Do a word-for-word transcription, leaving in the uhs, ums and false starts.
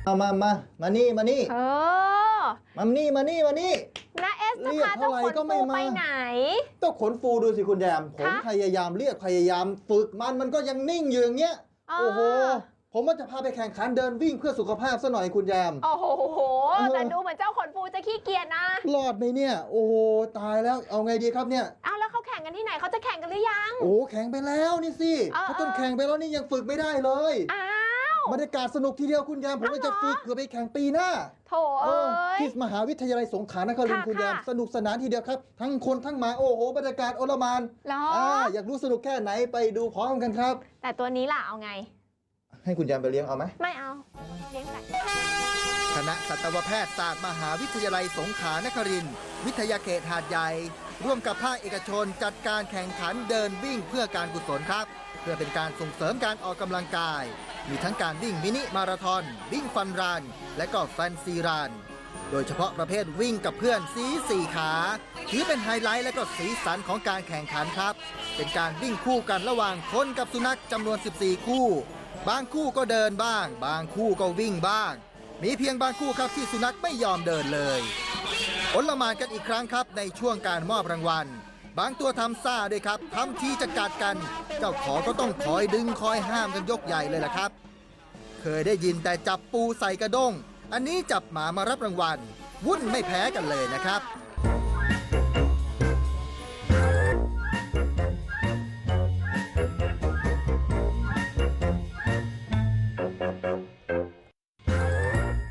มามามามานี่มานี่เออมานี่มานี่มานี่นะเอสจะพาเจ้าขนฟูไปไหนเจ้าขนฟูดูสิคุณแยมผมพยายามเรียกพยายามฝึกมันมันก็ยังนิ่งอยู่อย่างเงี้ยโอ้โหผมว่าจะพาไปแข่งขันเดินวิ่งเพื่อสุขภาพซะหน่อยคุณแยมโอ้โหแต่ดูเหมือนเจ้าขนฟูจะขี้เกียจนะรอดไหมเนี่ยโอ้โหตายแล้วเอาไงดีครับเนี่ยเอาแล้วเขาแข่งกันที่ไหนเขาจะแข่งกันหรือยังโอ้แข่งไปแล้วนี่สิเขาต้นแข่งไปแล้วนี่ยังฝึกไม่ได้เลยอ้าวบรรยากาศสนุกทีเดียวคุณแยมผมว่าจะฝึกเพื่อไปแข่งปีหน้าโถเอ้ยที่มหาวิทยาลัยสงขลานครินทร์คุณแยมสนุกสนานทีเดียวครับทั้งคนทั้งหมาโอ้โหบรรยากาศโอลหม่านอยากรู้สนุกแค่ไหนไปดูพร้อมกันครับแต่ตัวนี้ล่ะเอาไงให้คุณแยมไปเลี้ยงเอาไหมไม่เอาเลี้ยงไก่คณะสัตวแพทยศาสตร์มหาวิทยาลัยสงขลานครินทร์วิทยาเขตหาดใหญ่ร่วมกับภาคเอกชนจัดการแข่งขันเดินวิ่งเพื่อการกุศลครับเพื่อเป็นการส่งเสริมการออกกำลังกายมีทั้งการวิ่งมินิมาราธอนวิ่งฟันรันและก็แฟนซีรันโดยเฉพาะประเภทวิ่งกับเพื่อนสีสี่ขาถือเป็นไฮไลท์และก็สีสันของการแข่งขันครับเป็นการวิ่งคู่กันระหว่างคนกับสุนัขจำนวนสิบสี่คู่บางคู่ก็เดินบ้างบางคู่ก็วิ่งบ้างมีเพียงบางคู่ครับที่สุนัขไม่ยอมเดินเลยโอลหม่านกันอีกครั้งครับในช่วงการมอบรางวัลบางตัวทำซ่าด้วยครับทำทีจะกัดกันเจ้าของก็ต้องคอยดึงคอยห้ามกันยกใหญ่เลยล่ะครับเคยได้ยินแต่จับปูใส่กระด้งอันนี้จับหมามารับรางวัลวุ่นไม่แพ้กันเลยนะครับ